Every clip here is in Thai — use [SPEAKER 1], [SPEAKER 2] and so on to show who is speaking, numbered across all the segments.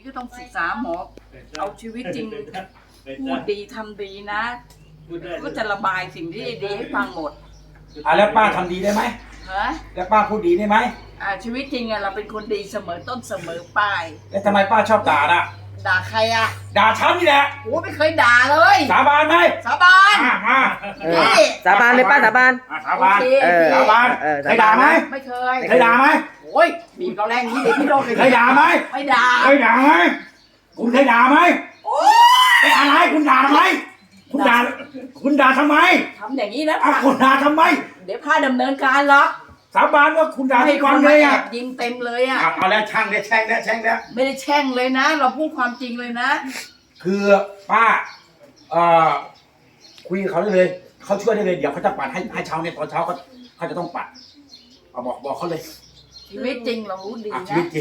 [SPEAKER 1] ก็ต้องศึกษาหมอเอาชีวิตจริงพูดดีทำดีนะก็จะระบายสิ่งที่ดีให้ฟังหมด
[SPEAKER 2] แล้วป้าทำดีได้ไหม
[SPEAKER 1] ฮะ
[SPEAKER 2] แล้วป้าพูดดีได้ไหม
[SPEAKER 1] ชีวิตจริงเราเป็นคนดีเสมอต้นเสมอปลาย
[SPEAKER 2] แล้วทำไมป้าชอบด่าล่ะ
[SPEAKER 1] ด่าใคร
[SPEAKER 2] ด่าฉันนี่แหละ
[SPEAKER 1] โอ้ไม่เคยด่าเลย
[SPEAKER 2] สาบานไหม
[SPEAKER 1] สาบาน
[SPEAKER 3] สาบานเลยป้าสาบาน
[SPEAKER 2] สาบานสาบานเคยด่าไหม
[SPEAKER 1] ไม่เคย
[SPEAKER 2] ด่าไหม
[SPEAKER 1] โอ้ยบีบเราแรงนี้เลยพี่โดน
[SPEAKER 2] เคยด่าไหม
[SPEAKER 1] ไม่ด่า
[SPEAKER 2] เคยด่าไหมคุณเคยด่าไหม
[SPEAKER 1] โอ้
[SPEAKER 2] ยอะไรคุณด่าทำไมคุณด่าทำไม
[SPEAKER 1] ทำอย่างนี้นะ
[SPEAKER 2] คุณด่าทำไม
[SPEAKER 1] เดี๋ยวพาดำเนินการหรอก
[SPEAKER 2] สาบานว่าคุณด่าที่ความเลย
[SPEAKER 1] ยิงเต็มเลย
[SPEAKER 2] เอาแล้วช่างได้แช่งแล้ว
[SPEAKER 1] ไม่ได้แช่งเลยนะเราพูดความจริงเลยนะ
[SPEAKER 2] คือป้าคุยกับเขาได้เลยเขาช่วยได้เลยเดี๋ยวเขาจะปัดให้เช้าเนี่ยตอนเช้าเขาจะต้องปัดเอาบอกเขาเลย
[SPEAKER 1] ชีวิตจริงเรารู้ดีนะ
[SPEAKER 2] ชีวิตจริง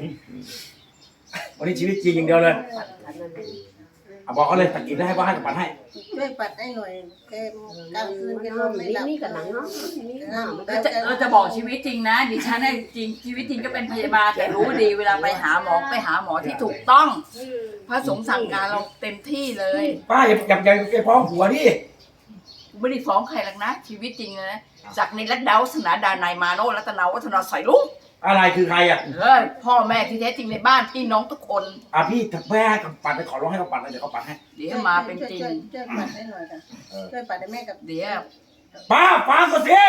[SPEAKER 2] วันนี้ชีวิตจริงอย่างเดียวเลยบอกเขาเลยปัดกินได้ให้ป้าให้ปัดให้
[SPEAKER 4] ช่วยปัดให้หน่อยแกกลางคืนแกนอนไม่หลับ
[SPEAKER 3] นี่กับหนังเนาะ
[SPEAKER 1] เราจะบอกชีวิตจริงนะดิฉันเนี่ยจริงชีวิตจริงก็เป็นพยาบาลแต่รู้ดีเวลาไปหาหมอที่ถูกต้องพระสงฆ์สั่งการเราเต็มที่เลย
[SPEAKER 2] ป้าอย่าฟ้องหัวดิ
[SPEAKER 1] ไม่ได้ฟ้องใครหรอกนะชีวิตจริงเลยนะจากในรัตดาวัฒนาดานายมาโนรัตนาวัฒนาใส่ลุง
[SPEAKER 2] อะไรคือใคร
[SPEAKER 1] พ่อแม่ที่แท้จริงในบ้านพี่น้องทุกคน
[SPEAKER 2] พี่แม่ให้ปัดไปขอร้องให้เขาปัดเลยเดี๋ยวเขาปัดให้
[SPEAKER 1] เดี๋ยวมาเป็นจริง
[SPEAKER 4] ช่วยปัดให้หน่อยค่ะช่วยปัดให้แม่กับ
[SPEAKER 1] เดี๋ยว
[SPEAKER 2] ป้าฟังก่อนสิ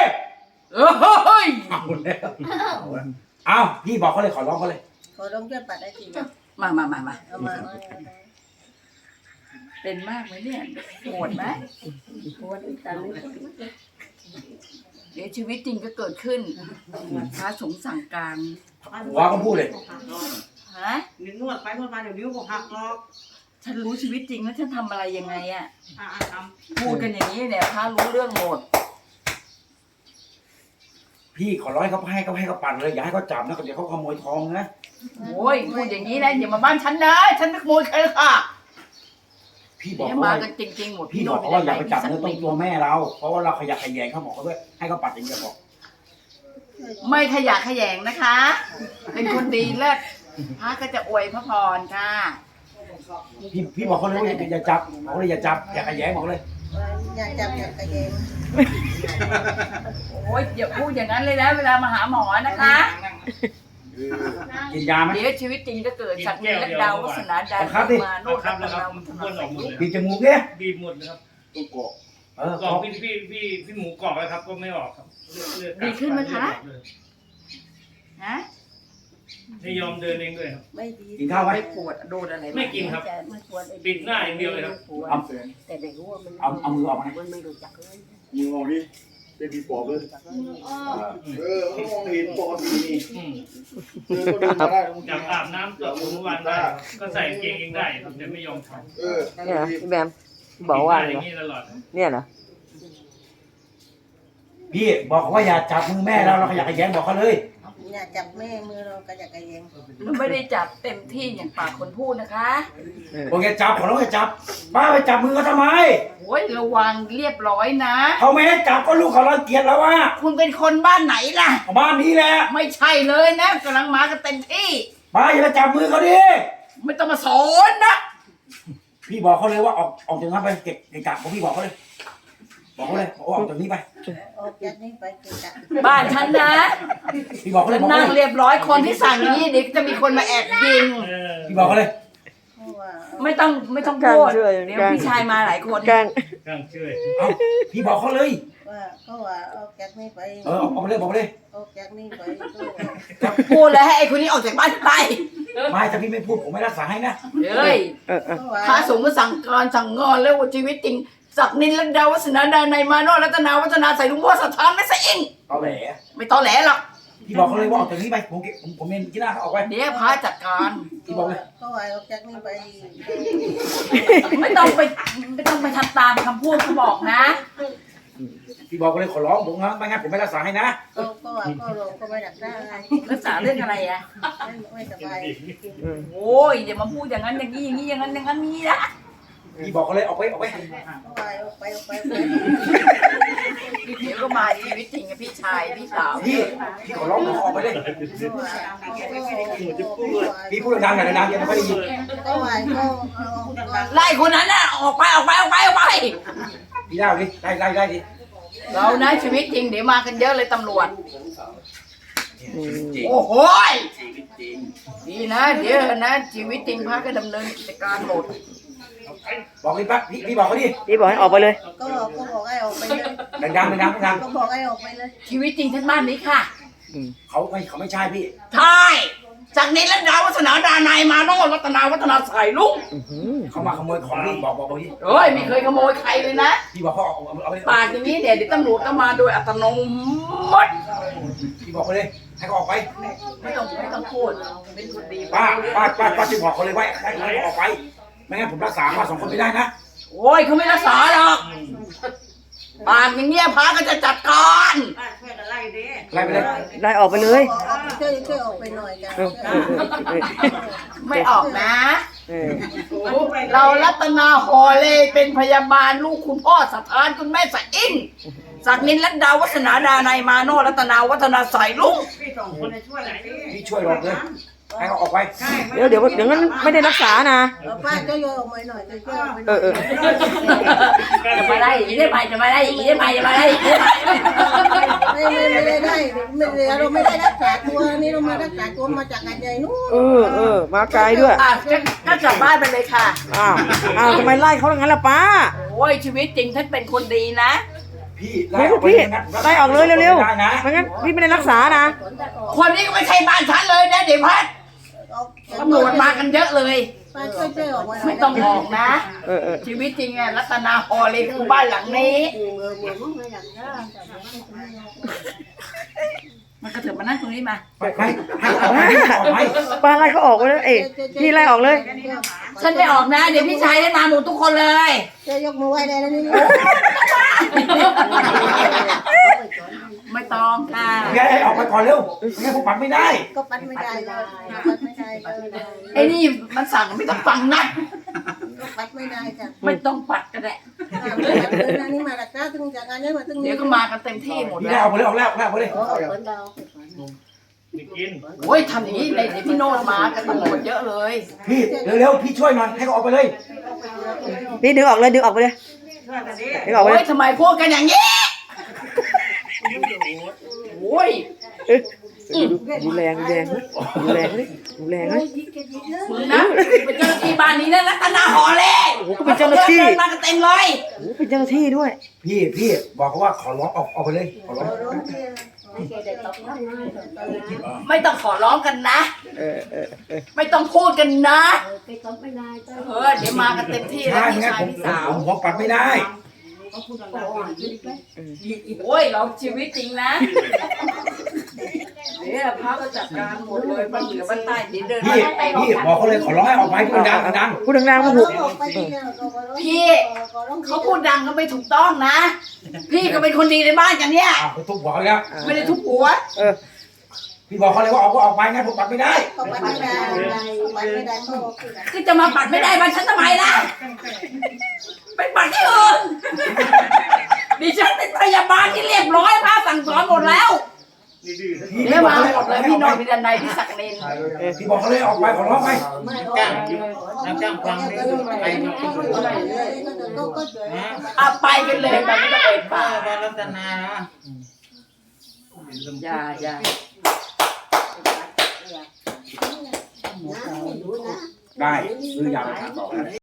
[SPEAKER 2] เอาพี่บอกเขาเลยขอร้องเขาเลย
[SPEAKER 4] ขอร้องช่วยปัดได้จริง
[SPEAKER 1] มา
[SPEAKER 4] เอามา
[SPEAKER 1] เป็นมากไหมเนี่ยโหดไหม
[SPEAKER 4] โหดอีกตามนี้
[SPEAKER 1] เดี๋ยวชีวิตจริงก็เกิดขึ้นพระสงฆ์สั่งการ
[SPEAKER 2] หัวก็พูดเลย
[SPEAKER 1] ฮะ
[SPEAKER 4] นวดไปนวดมาเดี๋ยวนิ้วก็หักหรอก
[SPEAKER 1] ฉันรู้ชีวิตจริงแล้วฉันทำอะไรยังไงพูดกันอย่างนี้เนี่ยพระรู้เรื่องหมด
[SPEAKER 2] พี่ขอร้อยเขาให้เขาปั่นเลยอย่าให้เขาจับนะเดี๋ยวเขาขโมยทองนะ
[SPEAKER 1] โอ้ยพูดอย่างนี้นะอย่ามาบ้านฉันนะฉันไม่ขโมยใครค่ะ
[SPEAKER 2] พี่บอก
[SPEAKER 1] มากันจริงๆหมด
[SPEAKER 2] พี่บอกว่าอย่าไปจับเนื้อต้องตัวแม่เราเพราะว่าเราขยักขยงเขาบอกเขาด้วยให้เขาปัดอย่างเดียวบอก
[SPEAKER 1] ไม่ขยักขยงนะคะเป็นคนดีเลิศพระก็จะอวยพระพรค่ะ
[SPEAKER 2] พี่บอกเขาเลยว่าอย่าจับบอกเลยอย่าจับอย่าขยงบอกเลย
[SPEAKER 4] อย่าจับอย่าขยง
[SPEAKER 1] โอ้ยอย่าพูดอย่างนั้นเลยนะเวลามาหาหมอนะคะ
[SPEAKER 2] กินยาไหม
[SPEAKER 1] เดี๋ยวชีวิตจริงจะเกิดจากนี้และดาววัฒนาดามาโน่นแล้วครับ
[SPEAKER 2] บีบจมูกเนี่ย
[SPEAKER 5] บีบหมดนะครับ
[SPEAKER 2] ตัวกอก
[SPEAKER 5] กอกพี่หมูกอกแล้วครับก็ไม่ออกครับ
[SPEAKER 1] ดีขึ้นไหมคะฮะ
[SPEAKER 5] ไม่ยอมเดินเองด้วยครับ
[SPEAKER 4] ไม่ดี
[SPEAKER 2] กินข้าวไหม
[SPEAKER 1] ปวดโดนอะไร
[SPEAKER 5] ไม่กินครับปิดหน้าอย่างเดียวเลยครับ
[SPEAKER 4] แต่เด็กรู้ว่ามัน
[SPEAKER 2] เอามือออกมา
[SPEAKER 4] มันไม่รู้จักเลย
[SPEAKER 6] มือออกดิเป็นผีปอบเลยมองเห็นปกตินี่
[SPEAKER 5] จับอาบน้ำตัวทุกวันได้ก็ใส่เกงเองได้ครับแต่ไม่ยอมท
[SPEAKER 3] ำเนี่ยพี่แบมบอกว่า
[SPEAKER 5] อย่างนี้ตลอด
[SPEAKER 3] เนี่ยเหรอ
[SPEAKER 2] พี่บอกเขาว่าอย่าจับมือแม่เราขยักขยงบอกเขาเลย
[SPEAKER 4] อย่าจับแม่มือเราก็อย่าขยง
[SPEAKER 1] เราไม่ได้จับเต็มที่อย่างปากคนพูดนะคะ
[SPEAKER 2] บอกอย่าจับขอร้องอย่าจับป้าไปจับมือเขาทำไม
[SPEAKER 1] โอ้ยระวังเรียบร้อยนะ
[SPEAKER 2] เขาไม่ให้จับก็ลูกเขารังเกียจแล้วว่า
[SPEAKER 1] คุณเป็นคนบ้านไหนล่ะ
[SPEAKER 2] บ้านนี้แหละ
[SPEAKER 1] ไม่ใช่เลยนะกำลังมากันเต็มที่
[SPEAKER 2] ป้าอย่าไปจับมือเขาดิ
[SPEAKER 1] ไม่ต้องมาสอนนะ
[SPEAKER 2] พี่บอกเขาเลยว่าออกจากนั้นไปเก็บกะผมพี่บอกเขาเลยบอกเขาเลยออกจากนี้ไป
[SPEAKER 4] ออกจากนี้ไปเก็บกะ
[SPEAKER 1] บ้านฉันนะ
[SPEAKER 2] พี่บอกเขาเลย
[SPEAKER 1] นั่งเรียบร้อยคนที่สั่งนี้เด็กจะมีคนมาแอบยิง
[SPEAKER 2] พี่บอกเขาเลย
[SPEAKER 1] ไม่ต้องพูดเดี๋ยวพี่ชายมาหลายคน
[SPEAKER 3] กัน
[SPEAKER 5] ช่วย
[SPEAKER 2] พี่บอกเขาเลย
[SPEAKER 4] ว่าเขาว่าออกจากนี้ไป
[SPEAKER 2] ออกไปเลยบอกไปเลย
[SPEAKER 4] ออกจากนี้ไป
[SPEAKER 1] พูดเลยให้ไอ้คนนี้ออกจากบ้านไป
[SPEAKER 2] ไม่ถ้าพี่ไม่พูดผมไม่รักษาให้นะ
[SPEAKER 1] เฮ้ยพระสงฆ์ก็สั่งการสั่งงอนแล้วชีวิตจริงศักดินลัดดาวัฒนาดานายมาโนรัตนาวัฒนาใส่ลุงพ่อสถานไม่ใส่เอง
[SPEAKER 2] ตอแหล
[SPEAKER 1] ไม่ตอแหลหรอก
[SPEAKER 2] พี่บอกเขาเลยว่าออกจากนี้ไปผมเมนที่หน้าเขาออกไป
[SPEAKER 1] เดี๋ยวพระจัดการ
[SPEAKER 2] พี่บอกเลย
[SPEAKER 4] เขาว่าออกจากนี้ไป
[SPEAKER 1] ไม่ต้องไปทำตามคำพูดเขาบอกนะ
[SPEAKER 2] พี่บอกเลยขอร้องผมนะไม่งั้นผมไม่รักษาให้นะ
[SPEAKER 4] ก็ว่าก็ลงก็ไม่รักษาอะไร
[SPEAKER 1] รักษาเรื่องอะไรอะ
[SPEAKER 4] ไม่สบาย
[SPEAKER 1] โอ้ยอย่ามาพูดอย่างนั้นอย่างนี้อย่างนั้นนี้นะ
[SPEAKER 2] พี่บอกเขาเลยออกไป
[SPEAKER 1] เดี๋ยวก็มาชีวิตจริงกับพี่ชายพี่สาว
[SPEAKER 2] พี่ขอร้องออกไปเลยพี่พูดดังๆหน่อยดังๆยังไม่ได้ยิน
[SPEAKER 4] ก็ไหวก็
[SPEAKER 1] ไล่คนนั้นน่ะออกไป
[SPEAKER 2] พี่เล่าดิไล่ดิ
[SPEAKER 1] เรานะชีวิตจริงเดี๋ยวมากันเยอะเลยตำรวจ โอ้โหยดีนะเดี๋ยวนะชีวิตจริงพระก็ดำเนินกิจการหมด
[SPEAKER 2] บอกพี่ปั๊บพี่บอกเขาดิ
[SPEAKER 3] พี่บอกให้ออกไปเลย
[SPEAKER 4] ก็บอกให้ออกไปเลย
[SPEAKER 2] ดังๆ
[SPEAKER 4] ก็บอกให้ออกไปเลย
[SPEAKER 1] ชีวิตจริงทั้งบ้านนี้ค่ะ
[SPEAKER 2] เขาไม่ใช่พี่
[SPEAKER 1] ใช่จากนี้แล้วดาววัฒนาดานายมาโนรัตนาวัฒนาใส่ลุง
[SPEAKER 2] เขามาขโมยของพี่บอกพี่
[SPEAKER 1] เฮ้ยไม่เคยขโมยใครเลยนะ
[SPEAKER 2] พี่บอกเขาเอาไป
[SPEAKER 1] ปากอย่างนี้เดี๋ยวตำรวจก็มาโดยอัตโนมัติ
[SPEAKER 2] พี่บอกเขาเลยให้เขาออกไป
[SPEAKER 1] ไม่ต้องพูดเป็นคนดี
[SPEAKER 2] ป้าจะบอกเขาเลยว่าให้เขาออกไปไม่งั้นผมรักษาป้า2 คนไม่ได้นะ
[SPEAKER 1] โอ้ยเขาไม่รักษาหรอกปากอย่างเงี้ยพระก็จะจัดการ
[SPEAKER 2] ไล่ไปเลย
[SPEAKER 3] ได้ออกไปเลย
[SPEAKER 4] ช่วยออกไปหน่อยกัน
[SPEAKER 1] ไม่ออกนะ
[SPEAKER 3] เออ
[SPEAKER 1] เรารัตนาฮอเลเป็นพยาบาลลูกคุณพ่อสถานคุณแม่สะอิ่งศักนินรัตดาวัฒนาดานายมาโนรัตนาวัฒนาใส่ลุง
[SPEAKER 2] พี่ช่วยหลอกเลยให้เขาออกไป
[SPEAKER 3] เดี๋ยวงั้นไม่ได้รักษานะ
[SPEAKER 4] ป้าช่วยออกมาหน่อยช่วยออกไปห
[SPEAKER 3] เอ
[SPEAKER 4] น่อย
[SPEAKER 3] อ
[SPEAKER 1] จะมาได้อย่างนี้ได้ไหมจะมาได้อย่างนี้ได้ไหมจะมาได้อย่างนี้ได้ไหม
[SPEAKER 4] ไม่ได้เราไม่ได้รักษาตัวนี่เรามารักษาตัวมาจากงานใหญ่นู้น
[SPEAKER 3] มาไกลด้วย
[SPEAKER 1] อ่ะก็กลับบ้านไปเลยค่ะ
[SPEAKER 3] อ้าวทำไมไล่เขาอย่างนั้นล่ะป้า
[SPEAKER 1] โอ้ยชีวิตจริงท่านเป็นคนดีนะ
[SPEAKER 2] พี่
[SPEAKER 3] ไม่พี่ไล่ออกเลยเร็วๆไม่งั้นพี่ไม่ได้รักษานะ
[SPEAKER 1] คนนี้ก็ไม่ใช่บ้านฉันเลยนะเดี๋ยวพัดตำรวจมากันเยอะเลย
[SPEAKER 4] ป้าช่วยออกมา
[SPEAKER 1] ไม่ต้องออกนะ
[SPEAKER 3] เออ
[SPEAKER 1] ชีวิตจริงอะรัตนาฮอเลยคือบ้านหลังนี้ มันกระเถิบมานั่งตรงนี้มา
[SPEAKER 2] ไม่ให้ออกไปออกไป
[SPEAKER 3] ป้าไล่เขาออกไปเลยนี่ไล่ออกเลย
[SPEAKER 1] ฉันไม่ออกนะ เดี๋ยวพี่ชายได้มาหมดทุกคนเลย
[SPEAKER 4] จะยกมือไหว้ได้แล้วนี่
[SPEAKER 1] ไม่ต้องค่ะ
[SPEAKER 2] แกให้ออกไปก่อนเร็วไม่งั้นผมปัดไม่ได้
[SPEAKER 4] ก็ปัดไม่ได้เลยปัดไม่ได้เลย
[SPEAKER 1] ไอ้นี่มันสั่งไม่ต้องฟังนะ
[SPEAKER 4] ก็ปัดไม่ได้จ้ะ
[SPEAKER 1] ไม่ต้องปัดก็ได้
[SPEAKER 4] นี่มาดักหน้าถึงจากงานนี้มาถึง
[SPEAKER 1] เดี๋ยวก็มากันเต็มที่หมด
[SPEAKER 2] พี่
[SPEAKER 1] แล้
[SPEAKER 2] ได้
[SPEAKER 1] ว
[SPEAKER 2] ออกไปเลยออกแล้วไปเลย
[SPEAKER 5] ไม่กิน
[SPEAKER 1] โอ้ยทำอย่างนี้เลยเดี๋ยวพี่โนดมากันตำรวจเยอะเลย
[SPEAKER 2] พี่เร็วพี่ช่วยหน่อยให้เขาออกไปเลย
[SPEAKER 3] นี่ดึงออกเลยดึงออกไปเลยดึงออกไป
[SPEAKER 1] โอ้
[SPEAKER 3] เลย
[SPEAKER 1] ยทำไมพูดกันอย่างนี้โอ้ย
[SPEAKER 3] ดูแรงเลย
[SPEAKER 1] มึงนะเป็นเจ้าหน้าที่บ้านนี้นะรัตนาหอเลย
[SPEAKER 3] โอ้โหเป็นเจ้าหน้าที่
[SPEAKER 1] มากันเต็มเลย
[SPEAKER 3] โอ้เป็นเจ้าหน้าที่ด้วย
[SPEAKER 2] พี่บอกเขาว่าขอร้องออกไปเลยขอร้อง
[SPEAKER 1] ไม่ต้องขอร้องกันนะ
[SPEAKER 3] เออ
[SPEAKER 1] ไม่ต้องพูดกันนะเดี๋ยวมากันเต็มที่แล้ว
[SPEAKER 2] ใช่
[SPEAKER 1] พี่
[SPEAKER 2] งั้น
[SPEAKER 1] ชายพี่สาว
[SPEAKER 2] ผมปัดไม่ได้
[SPEAKER 1] โอ้ยเราชีวิตจริงนะเดี๋ยวพระก็จัดการหมดเลยบ้านเหนือบ้านใต้เดี๋ยวเดิน
[SPEAKER 2] พี่บอกเขาเลยขอร้องให้ออกไปพูดดัง
[SPEAKER 3] พูดดังๆมาถูก
[SPEAKER 1] พี่เขาพูดดังก็ไม่ถูกต้องนะ พี่ก็เป็นคนดีในบ้านกันเนี่ย
[SPEAKER 2] เขาทุบหัวเขาแล้ว
[SPEAKER 1] ไม่ได้ทุบหัว
[SPEAKER 2] พี่บอกเขาเลยว่าออกไปงั้นผมปัดไม่ได้
[SPEAKER 4] ก็ปัดไม่ได้ปัดไม่ได้ก็
[SPEAKER 1] คือจะมาปัดไม่ได้บ้านฉันทำไมล่ะไปปัดที่อื่นดิฉันเป็นพยาบาลที่เรียบร้อยพระสั่งสอนหมดแล้ว
[SPEAKER 5] นี่ดื้อ
[SPEAKER 1] เดี๋ยวมาหมดเลยพี่โนนท์พี่ดันไดพี่ศักดิ์เนน
[SPEAKER 2] พี่บอกเขาเลยออกไปขอร้องไป
[SPEAKER 5] จ้างรับจ้างฟังนี่ใครมากิน
[SPEAKER 1] เอาไปกันเลยไปไม่ต้องเอ่ยปาก
[SPEAKER 5] บ้านรัตนานะ
[SPEAKER 1] อย่า
[SPEAKER 2] ได้ซื้อยาไปทานต่อ